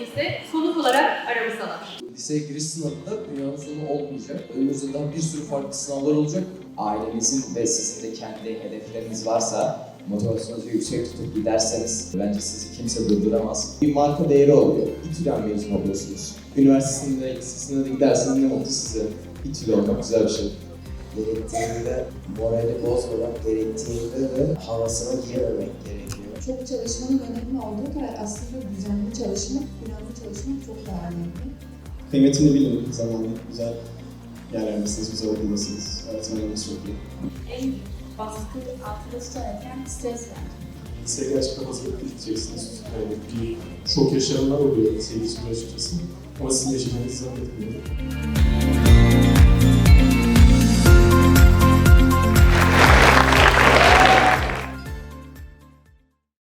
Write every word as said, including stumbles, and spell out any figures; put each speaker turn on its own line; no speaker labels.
ise sonuç olarak aramızdalar.
Liseye giriş sınavında dünyanın sonu olmayacak. Önümüzde daha bir sürü farklı sınavlar olacak.
Ailenizin ve sizin de kendi hedefleriniz varsa, motivasyonunuzu yüksek tutup giderseniz bence sizi kimse durduramaz. Bir marka değeri oluyor. İTÜ'den mezun oluyorsunuz. Üniversitesinde, lisesinde de giderseniz ne mutlu size. İTÜ'lü olmak güzel bir şey.
Gerektiğinde morali bozmamak, gerektiğinde de havasına girememek gerekiyor.
Çok çalışmanın önemli olduğu kadar aslında düzenli çalışmak, planlı çalışmak çok daha önemli.
Kıymetini bilin, zamanla güzel yerlerdesiniz, güzel okuldasınız, öğretmenleriniz çok iyi.
En büyük baskı altında tutarken stres yani.
Liseye gerçekten hazırlıklı gideceksiniz. Yani bir şok yaşayanlar oluyor liseye geçince açıkçası. Ama sizin yaşayacağınızı zannetmiyorum.